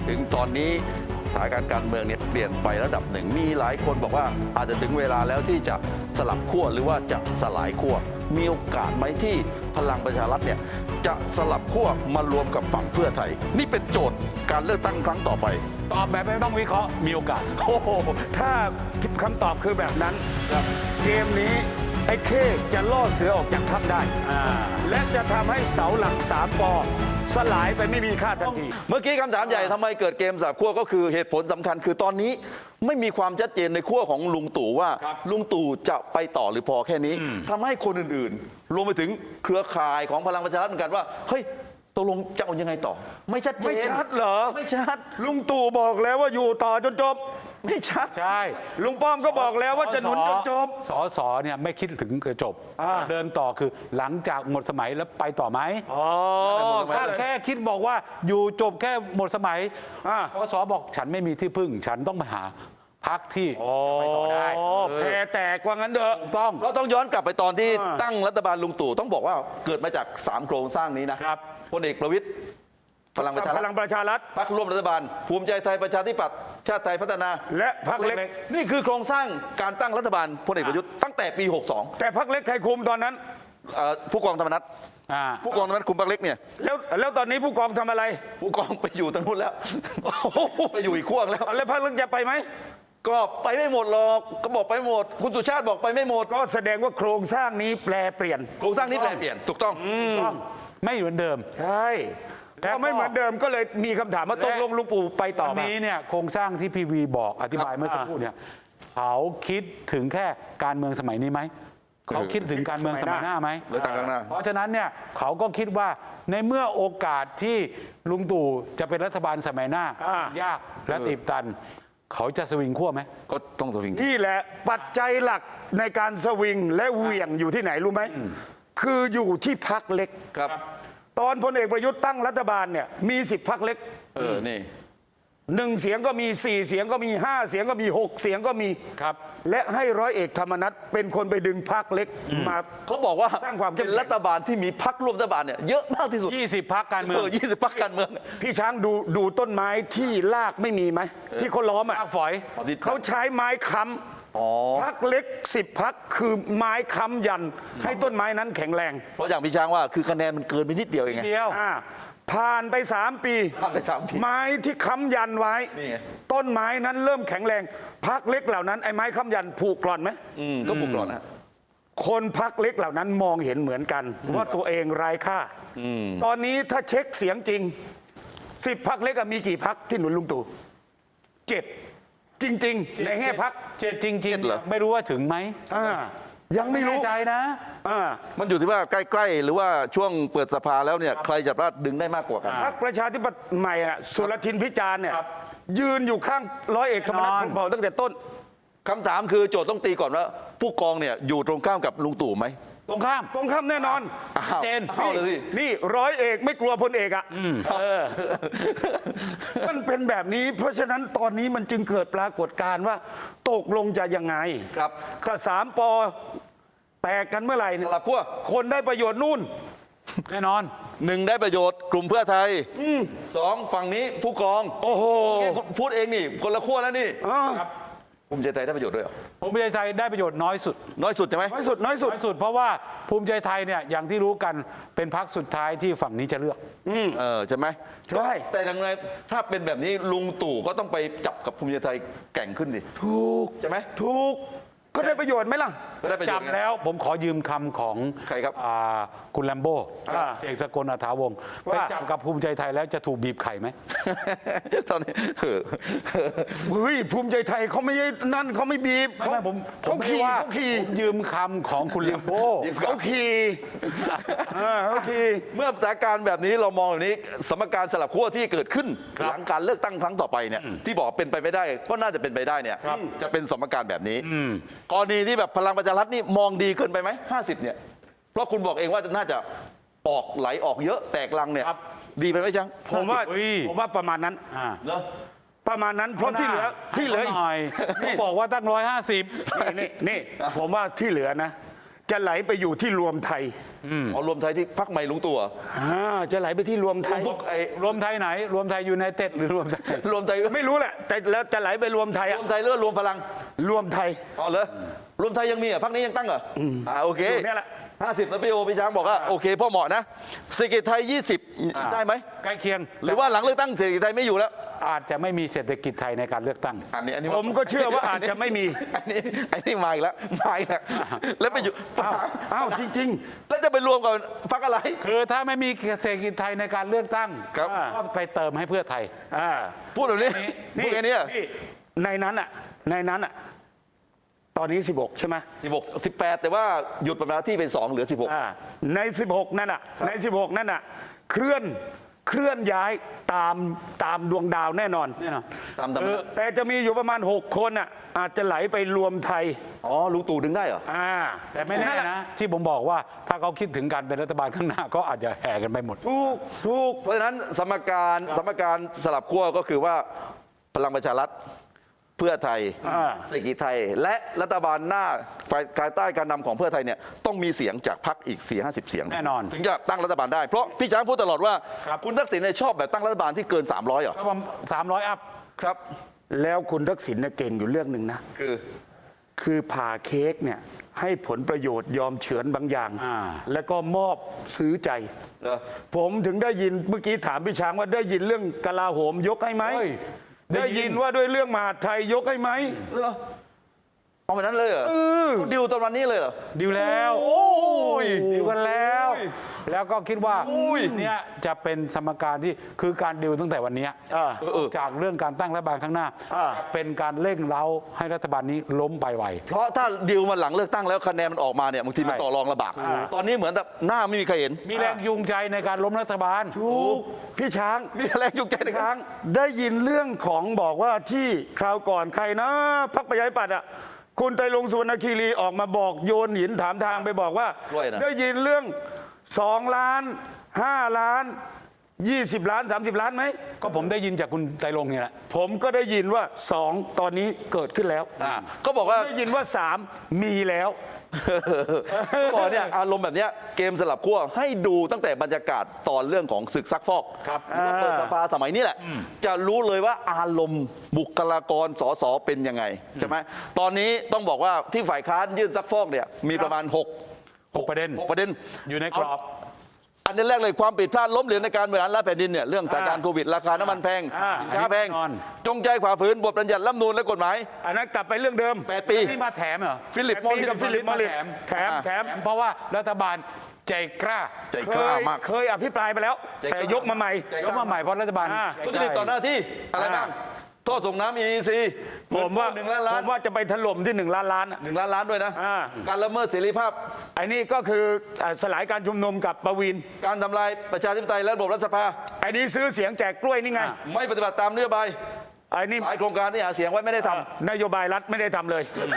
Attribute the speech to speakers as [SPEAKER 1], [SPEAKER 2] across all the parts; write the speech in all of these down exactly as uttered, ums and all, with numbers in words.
[SPEAKER 1] ถึงตอนนี้สถานการณ์การเมืองเนี่ยเปลี่ยนไประดับหนึ่งมีหลายคนบอกว่าอาจจะถึงเวลาแล้วที่จะสลับขั้วหรือว่าจะสลายขั้วมีโอกาสไหมที่พลังประชารัฐเนี่ยจะสลับขั้วมารวมกับฝั่งเพื่อไทยนี่เป็นโจทย์การเลือกตั้งครั้งต่อไป
[SPEAKER 2] ตอบแบบไม่ต้องวิเคราะห์มีโอกาส
[SPEAKER 1] โอ้โห
[SPEAKER 3] ถ้าคำตอบคือแบบนั้นเกมนี้ไอ้เข้จะล่อเสือออกจากถ้ำได้และจะทำให้เสาหลักสามปอสลายไปไม่มีค่าทันที
[SPEAKER 1] เมื่อกี้คำถามใหญ่ทำไมเกิดเกมสลับขั้วก็คือเหตุผลสำคัญคือตอนนี้ไม่มีความชัดเจนในขั้วของลุงตู่ว่าลุงตู่จะไปต่อหรือพอแค่นี้ทำให้คนอื่นๆรวมไปถึงเครือข่ายของพลังประชารัฐเหมือนกันว่าเฮ้ยตกลงจะเอายังไงต่อไม่ชัดเจน
[SPEAKER 3] ไม่ชัดเหรอ
[SPEAKER 1] ไม่ชัด
[SPEAKER 3] ลุงตู่บอกแล้วว่าอยู่ต่อจนจบ
[SPEAKER 1] ไม่ชัด
[SPEAKER 2] ใช่
[SPEAKER 3] ลุงป้อมก็บอกแล้วว่าจะหนุนจนจบ
[SPEAKER 2] สอสอเนี่ยไม่คิดถึงจบเดินต่อคือหลังจากหมดสมัยแล้วไปต่อไหม
[SPEAKER 3] อ๋อ
[SPEAKER 2] ถ้าแค่คิดบอกว่าอยู่จบแค่หมดสมัยสอสอบอกฉันไม่มีที่พึ่งฉันต้องมาหาพักที่ไปต่อได้
[SPEAKER 3] แพ้แตกว่างั้นเถอะ
[SPEAKER 2] ต้อง
[SPEAKER 1] เราต้องย้อนกลับไปตอนที่ตั้งรัฐบาลลุงตู่ต้องบอกว่าเกิดมาจากสามโครงสร้างนี้นะครับพลเอกประวิตรพลังประชารัฐ
[SPEAKER 3] พลังประชารัฐ
[SPEAKER 1] พรรคร่วมรัฐบาลภูมิใจไทยประชาธิปัตย์ชาติไทยพัฒนา
[SPEAKER 3] และพรรคเล็ก
[SPEAKER 1] นี่คือโครงสร้างการตั้งรัฐบาลพลเอกประยุทธ์ตั้งแต่ปีหกสอง
[SPEAKER 3] แต่พรรคเล็กใครคุมตอนนั้น
[SPEAKER 1] ผู้กองธรรมนัฐผู้กองธรรมนัฐคุมพรรคเล็กเนี่ย
[SPEAKER 3] แล้วแล้วตอนนี้ผู้กองทำอะไร
[SPEAKER 1] ผู้กองไปอยู่ทางนู้นแล้วไปอยู่อีกขั้วแล้ว
[SPEAKER 3] แล้วพรรคเล็กจะไปไหม
[SPEAKER 1] ก็ไปไม่หมดหรอกก็บอกไปหมดคุณสุชาติบอกไปไม่หมด
[SPEAKER 3] ก็แสดงว่าโครงสร้างนี้แปลเปลี่ยน
[SPEAKER 1] โครงสร้างนี้แปลเปลี่ยนถูกต้อง
[SPEAKER 2] ไม่เหมือนเดิม
[SPEAKER 3] ใช่ก็ไม่เหมือนเดิมก็เลยมีคำถามว่าตกลงลุงปู่ไปต่อ
[SPEAKER 2] วันนี้เนี่ยโครงสร้างที่พีวีบอกอธิบายเมื่อสักครู่เนี่ยเขาคิดถึงแค่การเมืองสมัยนี้ไหมเขาคิดถึงการเมืองสมัยหน้าไหมเพราะฉะนั้นเนี่ยเขาก็คิดว่าในเมื่อโอกาสที่ลุงตู่จะเป็นรัฐบาลสมัยหน้ายากและตีบตันเขาจะสวิงขั้วไหม
[SPEAKER 1] ก็ต้องสวิง
[SPEAKER 3] นี่แหละปัจจัยหลักในการสวิงและเหวี่ยงอยู่ที่ไหนรู้ไหมคืออยู่ที่พรรคเล็ก
[SPEAKER 1] ครับ
[SPEAKER 3] ตอนพลเอกประยุทธ์ตั้งรัฐบาลเนี่ยมีสิบพรรคเล็ก
[SPEAKER 1] เออนี่
[SPEAKER 3] หนึ่งเสียงก็มีสี่เสียงก็มีห้าเสียงก็มีหกเสียงก็มี
[SPEAKER 2] ครับ
[SPEAKER 3] และให้ร้อยเอกธรรมนัฐเป็นคนไปดึงพรรคเล็กมา
[SPEAKER 1] เขาบอกว่า
[SPEAKER 3] สร้างความ
[SPEAKER 1] เป็นรัฐบาลที่มีพรรคร่วมรัฐบาลเนี่ยเยอะมากที่สุด
[SPEAKER 2] ยี่สิบพรรคการเมือง
[SPEAKER 1] ยี่สิบพรรคการเมือง
[SPEAKER 3] พี่ช้างดูดูต้นไม้ที่รากไม่มีไหมที่เขาล้อมอ่ะ
[SPEAKER 2] ฝอย
[SPEAKER 3] เขาใช้ไม้ค้ำพรรคเล็กสิบพรรคคือไม้ค้ำยันให้ต้นไม้นั้นแข็งแรง
[SPEAKER 1] เพราะอย่างพี่ช้างว่าคือคะแนนมันเกินไปนิดเดียวเองไง
[SPEAKER 2] เดียว
[SPEAKER 3] ผ่านไปสามปีไม้ที่ค้ำยันไว้ต้นไม้นั้นเริ่มแข็งแรงพรรคเล็กเหล่านั้นไอ้ไม้ค้ำยันผูกกร่อนไหม
[SPEAKER 1] ก็ผูกกร่อนนะ
[SPEAKER 3] คนพรรคเล็กเหล่านั้นมองเห็นเหมือนกันว่าตัวเองไร้ค่าตอนนี้ถ้าเช็คเสียงจริงสิบพรรคเล็กมีกี่พรรคที่หนุนลุงตู่เจ็ดจริงๆในแง่พรรค
[SPEAKER 2] เจ็ดจริงๆเหรอไม่รู้ว่าถึงไหม
[SPEAKER 3] ยังไม่รู้
[SPEAKER 2] ใจนะ
[SPEAKER 1] มันอยู่ที่ว่าใกล้ๆหรือว่าช่วงเปิดสภาแล้วเนี่ยใครจะดึงได้มากกว่ากัน
[SPEAKER 3] พรรคประชาธิปัตย์ใหม่อ่ะสุรทินพิจารณ์เนี่ยยืนอยู่ข้างร้อยเอกธรรมนัฐพรหมเผ่าตั้งแต่ต้น
[SPEAKER 1] คำถามคือโจทย์ต้องตีก่อนว่าผู้กองเนี่ยอยู่ตรงข้ามกับลุงตู่ไหม
[SPEAKER 2] ตรงข้าม
[SPEAKER 3] ตรงข้ามแน่นอน
[SPEAKER 1] เจนเอาเลยสิ
[SPEAKER 3] นี่ร้อยเอกไม่กลัวพลเอกอ่ะมันเป็นแบบนี้เพราะฉะนั้นตอนนี้มันจึงเกิดปรากฏการณ์ว่าตกลงจะยังไง
[SPEAKER 1] ครับ
[SPEAKER 3] ถ้าสามปอแตกกันเมื่อไหร่
[SPEAKER 1] สลับขั้ว
[SPEAKER 3] คนได้ประโยชน์นู่น
[SPEAKER 2] แน่นอน
[SPEAKER 1] หนึ่งได้ประโยชน์กลุ่มเพื่อไทยสองฝั่งนี้ผู้กอง
[SPEAKER 3] โอ้โห
[SPEAKER 1] พูดเองนี่คนละขั้วแล้วนี่ภูมิใจไทยได้ประโยชน์ด้วยเหรอ
[SPEAKER 2] ภูมิใจไทยได้ประโยชน์น้อยสุด
[SPEAKER 1] น้อยสุดใช่ไหม
[SPEAKER 3] น้อยสุดน้อยสุด
[SPEAKER 2] น้อยสุดเพราะว่าภูมิใจไทยเนี่ยอย่างที่รู้กันเป็นพรรคสุดท้ายที่ฝั่งนี้จะเลือก
[SPEAKER 1] เออใช่ไหม
[SPEAKER 3] ใช่
[SPEAKER 1] แต่อย่างไรถ้าเป็นแบบนี้ลุงตู่ก็ต้องไปจับกับภูมิใจไทยแข่งขึ้นดิ
[SPEAKER 3] ถูก
[SPEAKER 1] ใช่ไหม
[SPEAKER 3] ถูกก็ได้ประโยชน์ไหมล่ะ
[SPEAKER 2] จับแล้วผมขอยืมคำของ
[SPEAKER 1] ใครครับ
[SPEAKER 2] คุณแลมโบ้เสกสกลอัฐาวงศ์ไปจับกับภูมิใจไทยแล้วจะถูกบีบไข่ไหม
[SPEAKER 1] ตอนนี้เ
[SPEAKER 3] ฮ้ยภูมิใจไทยเขาไม่นั่นเขาไม่บีบ
[SPEAKER 2] เขาผมเขาขี่เขาขี่ยืมคำของคุณแลมโบ้
[SPEAKER 3] เขาขี่เขาขี่
[SPEAKER 1] เมื่อสถานการณ์แบบนี้เรามองแบบนี้สมการสลับขั้วที่เกิดขึ้นหลังการเลือกตั้งครั้งต่อไปเนี่ยที่บอกเป็นไปไม่ได้ก็น่าจะเป็นไปได้เนี่ยจะเป็นสมการแบบนี้กรณีที่แบบพลังประชารัฐนี่มองดีเกินไปไหมห้าสิบเนี่ยเพราะคุณบอกเองว่าน่าจะออกไหลออกเยอะแตกลังเนี่ยดีไปไหมจัง
[SPEAKER 3] ผมว่าผมว่าประมาณนั้นประมาณนั้นเพราะที่เหลือที่เหลืออีก
[SPEAKER 2] นี่บอกว่าตั้งร้อยห้าสิบ
[SPEAKER 3] นี่นี่ผมว่าที่เหลือนะจะไหลไปอยู่ที่รวมไทย
[SPEAKER 1] อ๋อรวมไทยที่พักใหม่ลุงตู่เหรอ
[SPEAKER 3] อ่าจะไหลไปที่รวมไทย
[SPEAKER 1] พวกไอ้
[SPEAKER 2] รวมไทยไหน รวมไทยยูไนเต็ดหรือรวมไทย
[SPEAKER 1] รวมไทย
[SPEAKER 3] ไม่รู้แหละแต่แล้วจะไหลไปรวมไทย
[SPEAKER 1] ร
[SPEAKER 3] อะ
[SPEAKER 1] วมไทยหรือว่ารวมพลัง
[SPEAKER 3] รวมไทย
[SPEAKER 1] อ๋อเหรอรวมไทยยังมีเหรอ่ะพักนี้ยังตั้งเหรออ่าโอเค
[SPEAKER 3] อยู่เนี่ยแหละ
[SPEAKER 1] ห้าสิบแล้วพี่โอพี่ช้างบอกว่าโอเคพ่อเหมาะนะเศรษฐกิจไทยยี่สิบได้ไหม
[SPEAKER 2] ใกล้เคียง
[SPEAKER 1] หรือว่าหลังเลือกตั้งเศรษฐกิจไทยไม่อยู่แล้ว
[SPEAKER 2] อาจจะไม่มีเศรษฐกิจไทยในการเลือกตั้ง
[SPEAKER 1] อันนี้อันนี้
[SPEAKER 3] ผมก็เชื่อว่าอาจจะไม่มี
[SPEAKER 1] อันนี้อันนี้มาอีกแล้วมาอีกแล้วแล้วไปอยู่
[SPEAKER 3] อ้าวอ้าวจริง
[SPEAKER 1] แล้วจะไปรวมกับพรรคอะไร
[SPEAKER 2] คือถ้าไม่มีเศรษฐกิจไทยในการเลือกตั้ง
[SPEAKER 1] ครับ
[SPEAKER 2] ก็ไปเติมให้เพื่อไทย
[SPEAKER 3] ๆอ่า
[SPEAKER 1] พูดแบบนี้พูดแค่นี้
[SPEAKER 3] นี่ในนั้นอ่ะในนั้นอ่ะตอนนี้สิบหกใช่ไหม
[SPEAKER 1] สิบหกสิบแปดแต่ว่าหยุดปฏิบัติหน้าที่เป็นสองเหลือสิบหก
[SPEAKER 3] อ่าในสิบหกนั่นอ่ะในสิบหกนั่นอ่ะเคลื่อนเคลื่อนย้ายตามตามดวงดาวแน่นอน
[SPEAKER 2] แน่นอน
[SPEAKER 1] ตามตาม
[SPEAKER 3] เออแต่จะมีอยู่ประมาณหกคนอ่ะอาจจะไหลไปรวมไทย
[SPEAKER 1] อ๋อลุงตู่ดึงได้เหรอ
[SPEAKER 3] อ่า
[SPEAKER 2] แต่ไม่แน่นะ ที่ผมบอกว่าถ้าเขาคิดถึงการเป็นรัฐบาลข้างหน้าก็อาจจะแห่กันไปหมด
[SPEAKER 3] ถูกถูก
[SPEAKER 1] เพราะฉะนั้นสมการสมการสลับขั้วก็คือว่าพลังประชารัฐเพื่อไทย
[SPEAKER 3] อ่า
[SPEAKER 1] เศรษฐกิจไทย และรัฐบาลหน้าฝ่ายภายใต้การนำของเพื่อไทยเนี่ยต้องมีเสียงจากพรรคอีกสี่ห้าสิบเสียง
[SPEAKER 2] แน่นอน
[SPEAKER 1] ถึงจะตั้งรัฐบาลได้เพราะพี่ช้างพูดตลอดว่า
[SPEAKER 2] ครับ
[SPEAKER 1] คุณทักษิณเนี่ยชอบแบบตั้งรัฐบาลที่เกินสามร้อยเหรอ
[SPEAKER 2] ก็ประมาณสามร้อยอัพ
[SPEAKER 1] ครับ
[SPEAKER 3] แล้วคุณทักษิณเนี่ยเก่งอยู่เรื่องหนึ่งนะ
[SPEAKER 1] คือ
[SPEAKER 3] คือผ่าเค้กเนี่ยให้ผลประโยชน์ยอมเฉือนบางอย่าง
[SPEAKER 2] อ่า
[SPEAKER 3] แล้วก็มอบซื้อใจ
[SPEAKER 1] เหรอ
[SPEAKER 3] ผมถึงได้ยินเมื่อกี้ถามพี่ช้างว่าได้ยินเรื่องกลาโหมยกให้ไหม
[SPEAKER 2] เฮ้ย
[SPEAKER 3] ได้ยินว่าด้วยเรื่องมหาดไทยยกให้ไหม
[SPEAKER 1] เหรอเอาแบบนั้นเลยเหรอเขาดิวตอนวันนี้เลยเหรอ
[SPEAKER 2] ดีลแล้ว
[SPEAKER 1] โอ้ย
[SPEAKER 2] ดีลกันแล้ว แล้วก็คิดว่า
[SPEAKER 1] โอ้ย
[SPEAKER 2] เนี่ยจะเป็นสมการที่คือการดิวตั้งแต่วันเนี้ย
[SPEAKER 3] อ่า
[SPEAKER 1] เออ
[SPEAKER 2] จากเรื่องการตั้งรัฐบาลข้างหน้า
[SPEAKER 3] อ่า
[SPEAKER 2] จะเป็นการเร่งเร้าให้รัฐบาลนี้ล้มไปไว
[SPEAKER 1] เพราะถ้าดิวมาหลังเลือกตั้งแล้วคะแนนมันออกมาเนี่ยบางทีมัน
[SPEAKER 2] ใช่
[SPEAKER 1] ต่อรองลำบากตอนนี้เหมือนแบบหน้าไม่มีใครเห็น
[SPEAKER 2] มีแรงจูงใจในการล้มรัฐบาล
[SPEAKER 3] ถูกพี่ช้าง
[SPEAKER 1] มีอะไรยุ่งใจใน
[SPEAKER 3] พี่
[SPEAKER 1] ค
[SPEAKER 3] ช้า
[SPEAKER 1] รั้
[SPEAKER 3] ง
[SPEAKER 1] ง
[SPEAKER 3] ได้ยินเรื่องของบอกว่าที่คราวก่อนใครนะพักประชาธิปัตย์อ่ะคุณไตรรงค์สุวรรณคีรีออกมาบอกโยนหินถามทางไปบอกว่า
[SPEAKER 1] ด้วยนะ
[SPEAKER 3] ได้ยินเรื่องสองล้านห้าล้านยี่สิบล้านสามสิบล้านไหม
[SPEAKER 2] ก็ผมได้ยินจากคุณไตรรงค์เนี่ยแหละ
[SPEAKER 3] ผมก็ได้ยินว่าสองตอนนี้เกิดขึ้นแล้ว
[SPEAKER 1] อ่าก็บอกว่า
[SPEAKER 3] ได้ยินว่าสามมีแล้ว
[SPEAKER 1] ก็บอกเนี่ยอารมณ์แบบเนี้ยเกมสลับขั้วให้ดูตั้งแต่บรรยากาศตอนเรื่องของศึกซักฟอก
[SPEAKER 2] ครับ
[SPEAKER 1] ว่าเปิดสภาสมัยนี้แหละ จะรู้เลยว่าอารมณ์บุคลากรสสเป็นยังไงใช่ไหมตอนนี้ต้องบอกว่าที่ฝ่ายค้านยื่นซักฟอกเนี่ยมีประมาณหก
[SPEAKER 2] หกประเด็น
[SPEAKER 1] หกประเด็น
[SPEAKER 2] อยู่ในกรอบ
[SPEAKER 1] อันนี้แรกเลยความผิดพลาดล้มเหลวในการบริหารราชแผ่นดินเนี่ยเรื่องสถานการณ์โควิดราคาน้ำมันแพง
[SPEAKER 3] อ่า
[SPEAKER 1] สินค้าแพง
[SPEAKER 2] แน่นอน
[SPEAKER 1] จงใจฝ่าฝืนบทบัญญัติรัฐธรรมนูญและกฎหมาย
[SPEAKER 3] อันนั้นกลับไปเรื่องเดิม
[SPEAKER 1] แปดปี
[SPEAKER 2] นี่มาแถมเหรอ
[SPEAKER 1] ฟิลิปมอริส
[SPEAKER 3] กับฟิลิปมอริส
[SPEAKER 2] แถม
[SPEAKER 3] แถมแถม
[SPEAKER 2] แถมเพราะว่ารัฐบาลใจกล้า
[SPEAKER 1] ใจ
[SPEAKER 3] เค
[SPEAKER 1] กล้าย มาก
[SPEAKER 3] เคยอภิปรายไปแล้ว
[SPEAKER 1] ใจกล้า
[SPEAKER 3] แต่ยกมาใหม่
[SPEAKER 1] ใจ
[SPEAKER 2] ยกมาใหม่เพราะรัฐบาล
[SPEAKER 3] อ่า
[SPEAKER 2] ใจ
[SPEAKER 1] ทุ
[SPEAKER 2] ก
[SPEAKER 1] จ
[SPEAKER 2] ล้า
[SPEAKER 1] ริตต่อหน้าที่อะไรบ้างท่อส่งน้ำ อี อี ซี
[SPEAKER 3] ผมว่า
[SPEAKER 1] หนึ่งล้านล้า
[SPEAKER 3] ผ
[SPEAKER 1] น
[SPEAKER 3] มว่าจะไปถล่มที่หนึ่งล้านล้านอะ
[SPEAKER 1] หนึ่งล้านล้านด้วยนะ
[SPEAKER 3] อ่า
[SPEAKER 1] การละเมิดเสรีภาพ
[SPEAKER 3] ไอ้นี่ก็คืออ่าสลายการชุมนุมกับประวิน
[SPEAKER 1] การทำลายประชาธิปไตยและระบบรัฐสภา
[SPEAKER 3] ไอ้นี่ซื้อเสียงแจกกล้วยนี่ไง
[SPEAKER 1] ไม่ปฏิบัติตามนโยบาย
[SPEAKER 3] ไอ้นี่
[SPEAKER 1] หลายโครงการที่หาเสียงไว้ไม่ได้ทำ
[SPEAKER 3] นโยบายรัฐไม่ได้ทำเลย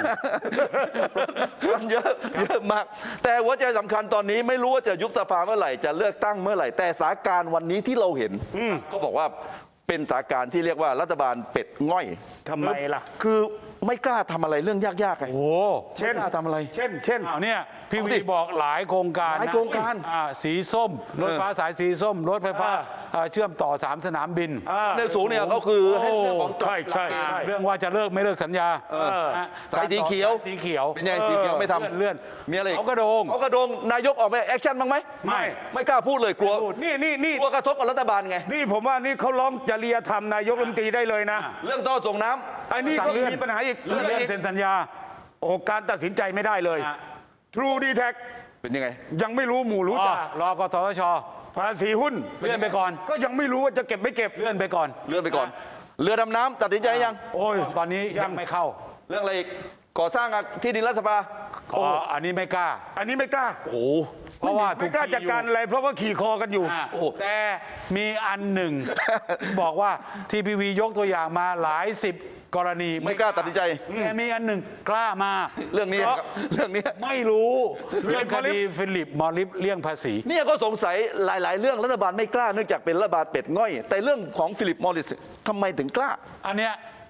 [SPEAKER 1] มันเยอะเยอะมาก แต่หัวใจสำคัญตอนนี้ไม่รู้ว่าจะยุบสภาเมื่อไหร่จะเลือกตั้งเมื่อไหร่ แต่สถานการณ์วันนี้ที่เราเห็นก็บอกว่าเป็นสถานการณ์ที่เรียกว่ารัฐบาลเป็ดง่อย
[SPEAKER 3] ทำไมล่ะ
[SPEAKER 1] คือไม่กล้าทำอะไรเรื่องยากๆไง
[SPEAKER 2] โอ้
[SPEAKER 1] เช่นไม่กล้าทำอะไร
[SPEAKER 3] เช่น เช่น
[SPEAKER 2] อ้าวเนี่ยพี่
[SPEAKER 1] เอา
[SPEAKER 2] วี
[SPEAKER 1] สิ
[SPEAKER 2] บอกหลายโครงการ
[SPEAKER 1] หลาย
[SPEAKER 2] นะ
[SPEAKER 1] โครงการ
[SPEAKER 2] อ่าสีส้ม รถไฟฟ้าสายสีส้ม รถไฟฟ้า
[SPEAKER 3] อ่า
[SPEAKER 2] อ่าเชื่อมต่อสามสนามบิน
[SPEAKER 3] อ่า
[SPEAKER 1] เรื่องสูงเนี่ยก็คือให้เรื่องของ
[SPEAKER 3] ใช่ใช่ใช่
[SPEAKER 2] เรื่องว่าจะเลิกไม่เลิกสัญญานะ
[SPEAKER 1] สายสีเขียว
[SPEAKER 2] สายสีเขียว
[SPEAKER 1] เป็นไงสีเขียวไม่ทำ
[SPEAKER 2] เลื่อนเลื่อน
[SPEAKER 1] มีอะไรอี
[SPEAKER 2] เขากระโดง
[SPEAKER 1] เขากระโดงนายกออกมาแอคชั่นบ้างไหม
[SPEAKER 3] ไม่
[SPEAKER 1] ไม่กล้าพูดเลยกลัว
[SPEAKER 3] นี่นี่นี่
[SPEAKER 1] กลัวกระทบกับรัฐบาลไง
[SPEAKER 3] นี่ผมว่านี่เขาร้องจริยธรรมนายกรัฐมนตรีได้เลยนะ
[SPEAKER 1] เรื่องท่อส่งน้ำ
[SPEAKER 3] ไอ้นี่
[SPEAKER 2] สั่
[SPEAKER 3] ก็
[SPEAKER 2] งเลื่อน
[SPEAKER 3] มีปัญหาอีก
[SPEAKER 2] เลื่อน
[SPEAKER 3] เรื่อง
[SPEAKER 2] เลื่อน
[SPEAKER 3] อีก
[SPEAKER 2] เซ็นสัญญา
[SPEAKER 3] โอ้การตัดสินใจไม่ได้เลย
[SPEAKER 2] อ่ะ
[SPEAKER 3] True d e t a c
[SPEAKER 1] เป็นยังไง
[SPEAKER 3] ยังไม่รู้หมู่รู้
[SPEAKER 2] อ๋อ
[SPEAKER 3] จ่าร
[SPEAKER 2] อกสทช
[SPEAKER 3] ภาษีหุ้น
[SPEAKER 2] เลื่อนไปก่อน
[SPEAKER 3] ก็ยังไม่รู้ว่าจะเก็บไม่เก็บ
[SPEAKER 2] เลื่อนไปก่อน
[SPEAKER 1] เลื่อนไปก่อน เรือดำน้ำตัดสินใจยัง
[SPEAKER 3] โอ้ย
[SPEAKER 2] ตอนนี้ยังไม่เข้า
[SPEAKER 1] เรื่องอะไรอีกก่อสร้างที่ดินรัฐสภา
[SPEAKER 2] อ๋ออันนี้ไม่กล้า
[SPEAKER 3] อันนี้ไม่กล้า
[SPEAKER 1] โอ้โห
[SPEAKER 2] เพราะว่า
[SPEAKER 3] ไม่กล้าจัดการอะไร เพราะว่าขี่คอกันอยู่
[SPEAKER 2] อ่า
[SPEAKER 1] โอ้โห
[SPEAKER 2] แต่มีอันหนึ่ง ที่บอกว่าทีพีวียกตัวอย่างมาหลายสิบกรณี
[SPEAKER 1] ไม่กล้าตัดสินใจ
[SPEAKER 2] แต่มีอันหนึ่งกล้ามา
[SPEAKER 1] เรื่องนี้ครับเรื่องนี้
[SPEAKER 2] ไม่รู้เรื่องคดีฟิลิปมอริฟเลี่ยงภาษี
[SPEAKER 1] เนี่ยก็สงสัยหลาย ๆ เรื่องรัฐบาลไม่กล้าเนื่องจากเป็นรัฐบาลเป็ดง่อย แต่เรื่องของฟิลิปมอริสทำไมถึงกล้า
[SPEAKER 2] อันเนี้ย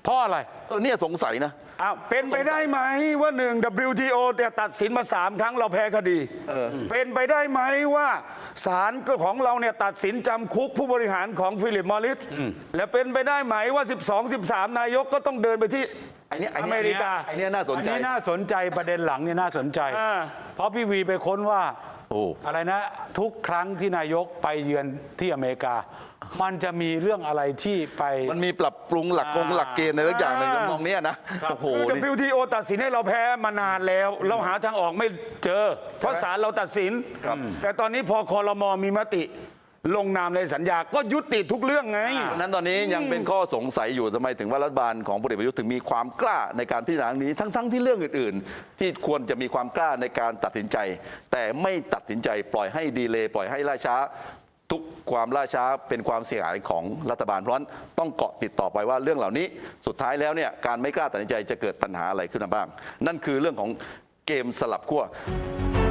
[SPEAKER 2] เพราะอะไร
[SPEAKER 1] เออเนี่ยสงสัยนะ
[SPEAKER 3] อ้าวเป็นไปได้ไหมว่าหนึ่ง ดับเบิลยู ที โอ แต่ตัดสินมาสามครั้งเราแพ้คดีเป็นไปได้ไหมว่าศาลของเราเนี่ยตัดสินจำคุกผู้บริหารของฟิลิปมอริสและเป็นไปได้ไหมว่า สิบสอง สิบสาม นายกก็ต้องเดินไปที่
[SPEAKER 1] ไอ้เนี่ยไอ้
[SPEAKER 3] อ
[SPEAKER 1] เนี่ย
[SPEAKER 3] เมริกา
[SPEAKER 1] ไอ้เนี่ยน่าสน
[SPEAKER 2] อัน
[SPEAKER 1] ใจ
[SPEAKER 2] นี้น่าสนใจประเด็นหลังเนี่ยน่าสนใจ
[SPEAKER 3] อ่า
[SPEAKER 2] เพราะพี่วีไปค้นว่า
[SPEAKER 1] โอ้
[SPEAKER 2] อะไรนะ ทุกครั้งที่นายกไปเยือนที่อเมริกา มันจะมีเรื่องอะไรที่ไป
[SPEAKER 1] มันมีปรับปรุงหลักกงหลักเกณฑ์อะไรสักอย่างหนึ่งมองเนี้ยนะโอ้โห
[SPEAKER 3] คือ
[SPEAKER 1] นี่
[SPEAKER 3] ดับเบิลยู ที โอ ตัดสินให้เราแพ้มานานแล้ว เราหาทางออกไม่เจอ เพราะศาลเราตัดสิน แต่ตอนนี้พอคอรมอมีมติ ลงนามในสัญญาก็ยุติทุกเรื่องไง
[SPEAKER 1] เพราะฉะนั้นตอนนี้ยังเป็นข้อสงสัยอยู่ทำไมถึงว่ารัฐบาลของพลเอกประยุทธ์ถึงมีความกล้าในการพิจารณาเรื่องนี้ทั้งๆที่เรื่องอื่นๆ ที่ควรจะมีความกล้าในการตัดสินใจ แต่ไม่ตัดสินใจปล่อยให้ดีเลย์ปล่อยให้ล่าช้า ทุกความล่าช้าเป็นความเสียหายของรัฐบาลเพราะฉะนั้นต้องเกาะติดต่อไปว่าเรื่องเหล่านี้สุดท้ายแล้วเนี่ยการไม่กล้าตัดสินใจจะเกิดปัญหาอะไรขึ้นมาบ้าง นั่นคือเรื่องของเกมสลับขั้ว